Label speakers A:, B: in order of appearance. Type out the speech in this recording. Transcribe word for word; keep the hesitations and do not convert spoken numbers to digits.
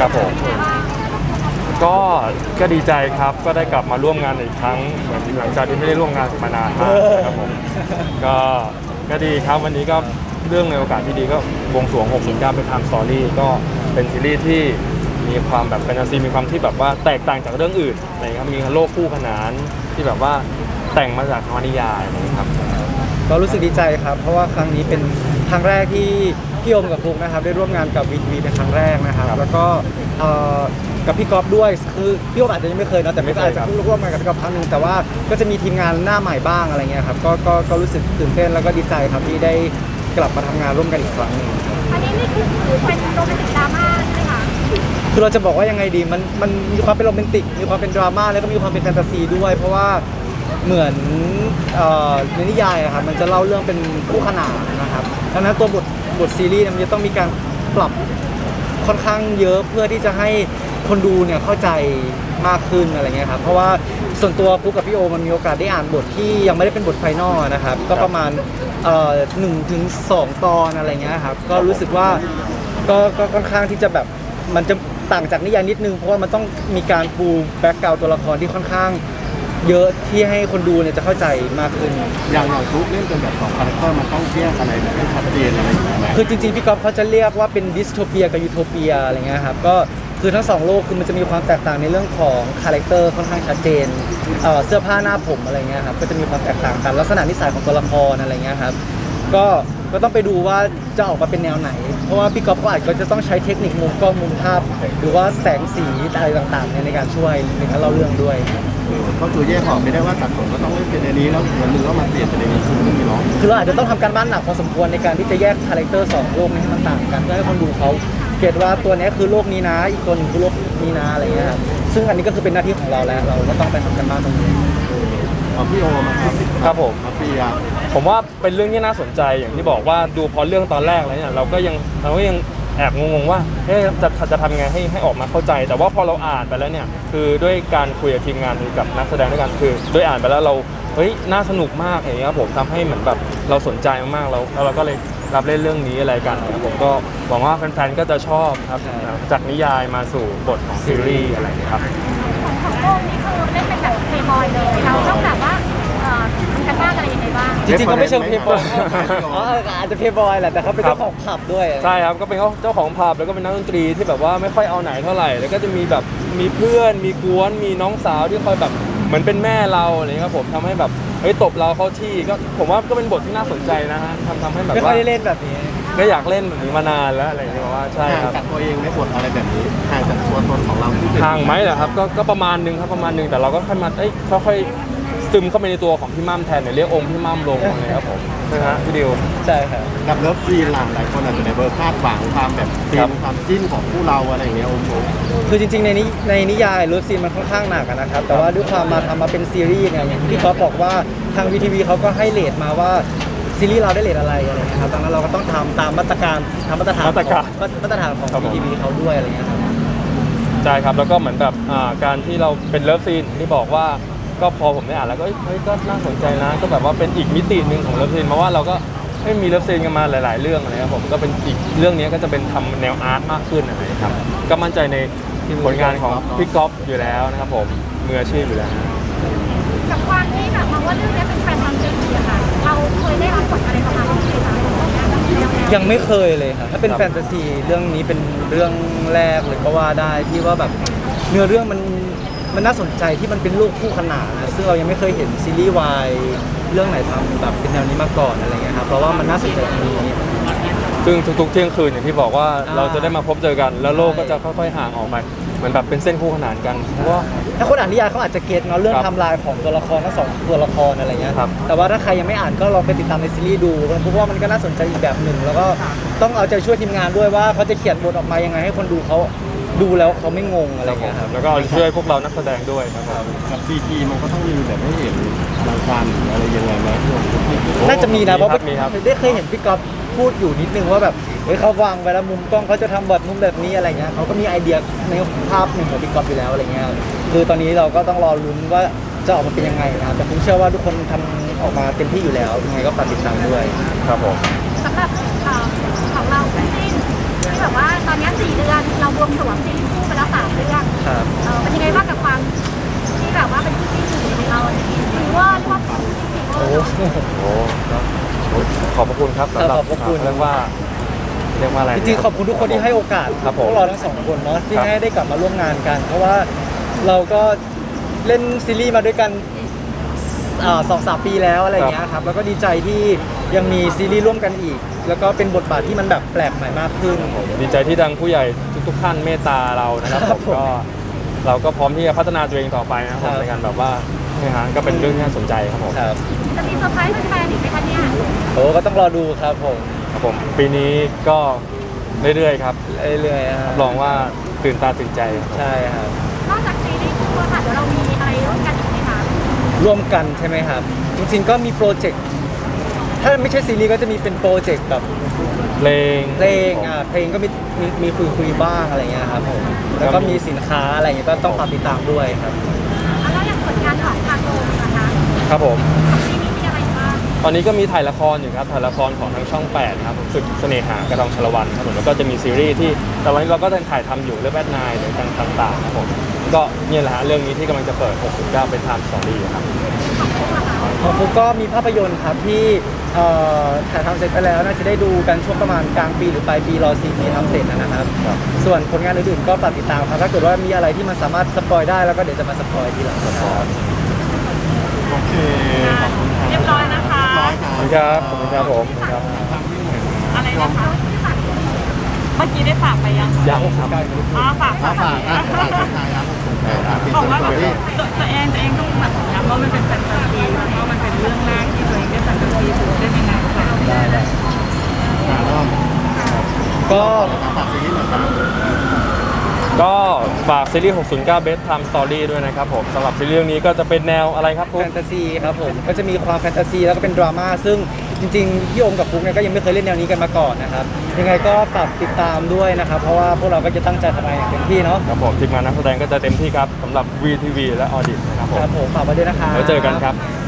A: ครับผมก็ก็ดีใจครับก็ได้กลับมาร่วมงานอีกครั้งเหมือนหลังจากที่ไม่ได้ร่วมงานมานานมากนะครับผมก็ก็ดีครับวันนี้ก็เรื่องในโอกาสที่ดีก็บวงสรวงหกศูนย์เก้าเป็นไทม์สตอรี่ก็เป็นซีรีส์ที่มีความแบบแฟนตาซีมีความที่แบบว่าแตกต่างจากเรื่องอื่นอะไรครับมีโลกคู่ขนานที่แบบว่าแต่งมาจากนวนิยายนะครับ
B: ก็รู้สึกดีใจครับเพราะว่าครั้งนี้เป็นครั้งแรกที่พี่โอมกับฟลุ๊กนะครับได้ร่วมงานกับวีทีเป็นครั้งแรกนะครับแล้วก็กับพี่ก๊อฟด้วยคือพี่โอมอาจจะยังไม่เคยนะแต่ไม่อาจจะเพิ่งร่วมงานกับพี่ก๊อฟครั้งนึงแต่ว่าก็จะมีทีมงานหน้าใหม่บ้างอะไรเงี้ยครับก็ก็ก็รู้สึกตื่นเต้นแล้วก็ดีใจครับที่ได้กลับมาทำงานร่วมกันอีกครั้งนึง
C: อันนี้นี่คือเป็นโรแมนติกดราม่าใช่ไหมคะ
B: คือเราจะบอกว่ายังไงดีมันมันมีความเป็นโรแมนติกมีความเป็นดราม่าแล้วก็มีความเป็นแฟนตาซีด้วยเพราะว่าเหมือนในนิยายครับมันจะเล่าเรื่องเป็นคู่ขนานนะครับดังนั้นตัวบทบทซีรีส์มันจะต้องมีการปรับค่อนข้างเยอะเพื่อที่จะให้คนดูเนี่ยเข้าใจมากขึ้นอะไรเงี้ยครับเพราะว่าส่วนตัวฟุกกับพี่โอมันมีโอกาสได้อ่านบทที่ยังไม่ได้เป็นบทไฟนอลนะครับก็ประมาณหนึ่งถึงสองตอนอะไรเงี้ยครับก็รู้สึกว่าก็ก็ค่อนข้างที่จะแบบมันจะต่างจากนิยายนิดนึงเพราะว่ามันต้องมีการปูแบ็กกราวด์ตัวละครที่ค่อนข้างเยอะที่ให้คนดูเนี่ยจะเข้าใจมากขึ้น
D: อย่างอย่างทุกเล่นเป็นแบบสองคาแรคเตอร์มันต้องแยกอะไรแบบให้ชัดเจนอะไรอย่างเงี้ย
B: คือจริงๆพี่ก๊อฟเขาจะเรียกว่าเป็นดิสโทเปียกับยูโทเปียอะไรเงี้ยครับก็คือทั้งสองโลกคือมันจะมีความแตกต่างในเรื่องของคาแรคเตอร์ค่อนข้างชัดเจนเอ่อเสื้อผ้าหน้าผมอะไรเงี้ยครับก็จะมีความแตกต่างกันลักษณะนิสัยของตัวละครอะไรเงี้ยครับก็ก็ต้องไปดูว่าจะออกมาเป็นแนวไหนเพราะว่าพี่ก๊อฟก็อาจจะต้องใช้เทคนิคมุมกล้องมุมภาพหรือว่าแสงสีอะไรต่างๆในการช่วยในการเล่าเรื่องด้วย
D: ก็คือแยกออกไม่ได้ว่าสัดส่วนก็ต้องเล่นเป็นในนี้แล้วเหมือนมือก็มาเปลี่ยนเป็นในนี้คือไม่มีน้อง
B: คือเราอาจจะต้องทำการบ้านหนักพอสมควรในการที่จะแยกคาแรคเตอร์สองโลกนี้ให้มันต่างกันเพื่อให้คนดูเขาเก็ตว่าตัวนี้คือโลกนี้นะอีกตัวนึงคือโลกนี้นะอะไรเงี้ยครับซึ่งอันนี้ก็คือเป็นหน้าที่ของเราแล้วเราก็ต้องไปทำการบ้านตรงนี้
D: ของพี่โอมาครับ
A: ครับผม
D: พี่ยา
A: ผมว่าเป็นเรื่องที่น่าสนใจอย่างที่บอกว่าดูพอเรื่องตอนแรกแล้วเนี่ยเราก็ยังเราก็ยังแอบงงๆว่าเฮ้ยจะจะทำยังไงให้ให้ออกมาเข้าใจแต่ว่าพอเราอ่านไปแล้วเนี่ยคือด้วยการคุยกับทีมงานกับนักแสดงด้วยกันคือด้วยอ่านไปแล้วเราเฮ้ยน่าสนุกมากอย่างเงี้ยผมทำให้เหมือนแบบเราสนใจมากๆแล้วแล้วเราก็เลยรับเล่นเรื่องนี้อะไรกันผมก็หวังว่าแฟนๆก็จะชอบครับจากนิยายมาสู่บทของซีรีส์อะไรครับ
C: ของโลกนี่คือเล่นเป็นแบบเพย์บอยเลยเราต้องแบบว่าทำกันบ้านอะไรยังไงบ้าง
B: จริงๆเขาไม่เชิงเพย์บอยอ๋ออาจจะเพย์บอยแหละแต่เขาเป็นเจ้าของผับด้วย
A: ใช่ครับก็เป็นเจ้าของผับแล้วก็เป็นนักดนตรีที่แบบว่าไม่ค่อยเอาไหนเท่าไหร่แล้วก็จะมีแบบมีเพื่อนมีกวนมีน้องสาวที่คอยแบบเหมือนเป็นแม่เราอะไรเงี้ยครับผมทำให้แบบเฮ้ยตบเราเข้าที่ก็ผมว่าก็เป็นบทที่น่าสนใจนะฮะทำทำให้แบบว่า
B: ไม่ค่อยได้เล่นแบบนี้
A: ก็อยากเล่นแบบนี้มานานแล้วอะไรอย่างเงี้ยว่าใช่ครับ
D: ห่างจากตัวเองในบทอะไรแบบนี้ห่างจากตัวตนของเรา
A: ห่างไหมเหรอครับก็ก็ประมาณนึงครับประมาณนึงแต่เราก็ค่อยมาเอ้ยค่อยซึมเข้าไปในตัวของพี่มั่มแทนเนี่ยเรียกองค์พี่มั่มลงอะไรครับผมใช่ไหมฮะพี่ดิว
B: ใช่ครับ
D: กับเลิฟซีนหลังหลายคนอาจจะในเบอร์คาดหวังความแบบซีนความจิ้นของคู่เราอะไรอย่างเงี้ยโอ้โห
B: คือจริงๆในนี้ในนิยายเลิฟซีนมันค่อนข้างหนักนะครับแต่ว่าด้วยความมาทำมาเป็นซีรีส์เนี่ยอย่างที่พี่ก๊อฟบอกว่าทางวีทีวีเขาก็ให้เรทมาว่าซีรีส์เราได้เรทอะไรอะไรนะครับดังนั้นเราก็ต้องทำตามมาตรการทำมาตรฐาน
A: มาตรการ
B: มาตรฐานของวีทีวีเขาด้วยอะไรเงี้ยครับ
A: ใช่ครับแล้วก็เหมือนแบบการที่เราเป็นเลิฟซีนที่บอกว่าก็พอผมได้อ่านแล้วก็เฮ้ยก็น่าสนใจนะก็แบบว่าเป็นอีกมิติหนึ่งของเลิฟซีนเพราะว่าเราก็ไม่มีเลิฟซีนกันมาหลายๆเรื่องอะไรครับผมก็เป็นอีกเรื่องนี้ก็จะเป็นทำแนวอาร์ตมากขึ้นนะครับก็มั่นใจในผลงานของพี่ก๊อฟอยู่แล้วนะครับผมมืออาชีพอยู่แล้ว
C: กับความที่แบบมองว่าเรื่องนี้เป็นแฟนตาซีอะค่ะเราเคยได้รับบทอะไรประมาณนี้ไหมคะ
B: ยังไม่เคยเลยครับถ้าเป็นแฟนตาซีเรื่องนี้เป็นเรื่องแรกเลยก็ว่าได้ที่ว่าแบบเนื้อเรื่องมันมันน่าสนใจที่มันเป็นโลกคู่ขนานนะซึ่งเรายังไม่เคยเห็นซีรีส์วายเรื่องไหนทำแบบเป็นแนวนี้มาก่อนอะไรเงี้ยครับเพราะว่ามันน่าสนใจตรงนี้
A: ซึ่งทุกๆเที่ยงคืนอย่างที่บอกว่าเราจะได้มาพบเจอกันแล้วโลกก็จะค่อยๆห่างออกไปเหมือนแบบเป็นเส้นคู่ขนานกันเพราะว่า
B: ถ้าคนอ่านนิยายเขาอาจจะเก็ตเนาะเรื่องไทม์ไลน์ของตัวละครทั้งสองตัวละครอะไรเงี้ยแต่ว่าถ้าใครยังไม่อ่านก็ลองไปติดตามในซีรีส์ดูเพราะว่ามันก็น่าสนใจอีกแบบหนึ่งแล้วก็ต้องเอาใจช่วยทีมงานด้วยว่าเขาจะเขียนบทออกมายังไงให้คนดูเขาดูแล้วเขาไม่งงอะไรเงี้ยครับ
A: แล้วก็ช่วยพวกเรานักแสดงด้วยครับ
D: กับซีจีมันก็ต้องมีแบบให้เห็นบางการอะไรยังไงไหม
B: น่าจะมีนะเพราะได้เคยเห็นพี่ก๊อฟพูดอยู่นิดนึงว่าแบบเฮ้ยเขาวางไว้แล้วมุมกล้องเขาจะทำบทมุมแบบนี้อะไรเงี้ยเขาก็มีไอเดียในภาพหนึ่งของพี่ก๊อฟอยู่แล้วอะไรเงี้ยคือตอนนี้เราก็ต้องรอลุ้นว่าจะออกมาเป็นยังไงนะแต่ผมเชื่อว่าทุกคนทำออกมาเต็มที่อยู่แล้วยังไงก็ฝากติดตามด้วย
A: ครับผม
C: สำหรับของเราที่ที่แบบว่าตอนนี้สี่เดือนเราบวงสรวงซีรีส์คู่ไปแล้วสามเรื่อง
B: ครับ
C: เออเป็นยังไงบ้างกับความที่แบบว่าเป็นคู่ที่หนึ่งในเราหรือว่าเรียกว่าคู่ที่สี่
B: โอ้
A: โอ้ก็โอ้ขอบพระคุณครับสำหรับ
B: ขอบพระคุณ
A: เรียกว่าเรียกว่าอะไร
B: จริงๆขอบคุณทุกคนที่ให้โอกาส
A: ครับ
B: พ
A: ผม
B: วกเราทั้งสองคนเนาะที่
A: ครับ
B: ให้ได้กลับมาร่วมงานกัน เพราะว่าเราก็เล่นซีรีส์มาด้วยกันอ่าสองสามปีแล้วอะไรอย่างเงี้ยครับแล้วก็ดีใจที่ยังมีซีรีส์ร่วมกันอีก แล้วก็เป็นบทบาทที่มันแบบแปลกใหม่มากขึ้น
A: ดีใจที่ทางผู้ใหญ่ทุกๆท่านเมตตาเรานะครับ
B: ครับ
A: ผมก็เราก็พร้อมที่จะพัฒนาตัวเองต่อไปนะครับผม
B: ครับ
A: ในการแบบว่าเนี่ยฮะก็เป็นเรื่องที่น่าสนใจครับผม
B: ครับ
C: จะมีเซอร์ไพรส์แฟนๆอีกไหมคะเนี่ย
B: โอ้ก็ต้องรอดูครับผม
A: ครับผมปีนี้ก็เรื่อยๆครับ
B: เรื่อยๆค
A: รั
B: รั
A: บบ รองว่าตื่นตาตื่นใจครับผม
B: ใช่ครับ
C: นอกจากซีรีส์คู่อะค่ะเดี๋ยวเรามีอะไรร่วมกันอีกไหมคะ
B: ร่วมกันใช่ไหมครับ จริงๆก็มีโปรเจกต์ถ้าไม่ใช่ซีรีส์ก็จะมีเป็นโปรเจกต์แบบ
A: เพลง
B: เพลงอ่าเพลงก็มีมีมีคุยคุยบ้างอะไรเงี้ยครับผมแล้วก็มีสินค้าอะไรเงี้ยก็ต้องฝากติดตามด้วยครับ
C: แล้วอย่างผลงานของทางโลมนะคะ
A: ครับผม
C: ของซีรีส์มีอะไรบ้าง
A: ตอนนี้ก็มีถ่ายละครอยู่ครับถ่ายละครของทางช่องแปดนะครับศึกเสน่หากระดองชลวันครับผมแล้วก็จะมีซีรีส์ที่แต่วันนี้เราก็ยังถ่ายทำอยู่เรื่องแบทนายหรือต่างๆครับผมก็เนี่ยแหละฮะเรื่องนี้ที่กำลังจะเปิดหกสิบเก้าเป็นไทม์สตอรี่ครับ
B: ของฟุกก็มีภาพยนตร์ครับที่เอ่อถ่ายทำเสร็จไปแล้วน่าจะได้ดูกันช่วงประมาณกลางปีหรือปลายปีรอซีจีทำเสร็จนะครับ
A: ครับ
B: ส่วนผลงานอื่นๆก็ฝากติดตามครับถ้าเกิดว่ามีอะไรที่มันสามารถสปอยได้แล้วก็เดี๋ยวจะมาสปอยทีหลังครับ
D: โอเคขอบคุณครับ
C: เรียบร้อยนะคะ
D: เรียบร้อย
A: ขอบคุณครับขอบคุณครับผมครับ
C: อะไรนะคะเมื่อกี้ได้ฝากไปยัง
A: ยังครับ
C: อ๋อฝาก
D: ฝา
C: ฝาก
D: กฝากอ่ะฝากทักทายครับอ่ะปิด
C: บอก
D: ส
C: ว่า
D: ตอรี่
C: ตัวตัวเองตัวเองต้องแบบย้ำว่ามันเป็นแฟนตาซีแล้วก็มันเป็นเรื่องแรกที่ตัวเองได้แฟนตาซีถูกได้ยังไงคะ
B: ได้ได้
D: อ่ะเริ่ม
B: ก็
D: ฝากซีรีส์หน่อยครับ
A: ก็ฝากซีรีส์หกศูนย์เก้า Best Time Story ด้วยนะครับผมสำหรับซีรีส์เรื่องนี้ก็จะเป็นแนวอะไรครับคุ
B: แฟ
A: ณ
B: นตาซีครับผมก็จะมีความแฟนตาซีแล้วก็เป็นดราม่าซึ่งจริงๆพี่โอมกับฟุกเนี่ยก็ยังไม่เคยเล่นแนวนี้กันมาก่อนนะครับยังไงก็ฝากติดตามด้วยนะครับเพราะว่าพวกเราก็จะตั้งใจทำงานอย่างเต็มที่เนาะ
A: ครับผมทีมงานนักแสดงก็จะเต็มที่ครับสำหรับ วี ที วี และ Audit นะครับผม
B: ครับผมฝากไว้ด้วยนะครับ
A: แล้วเจอกันครับ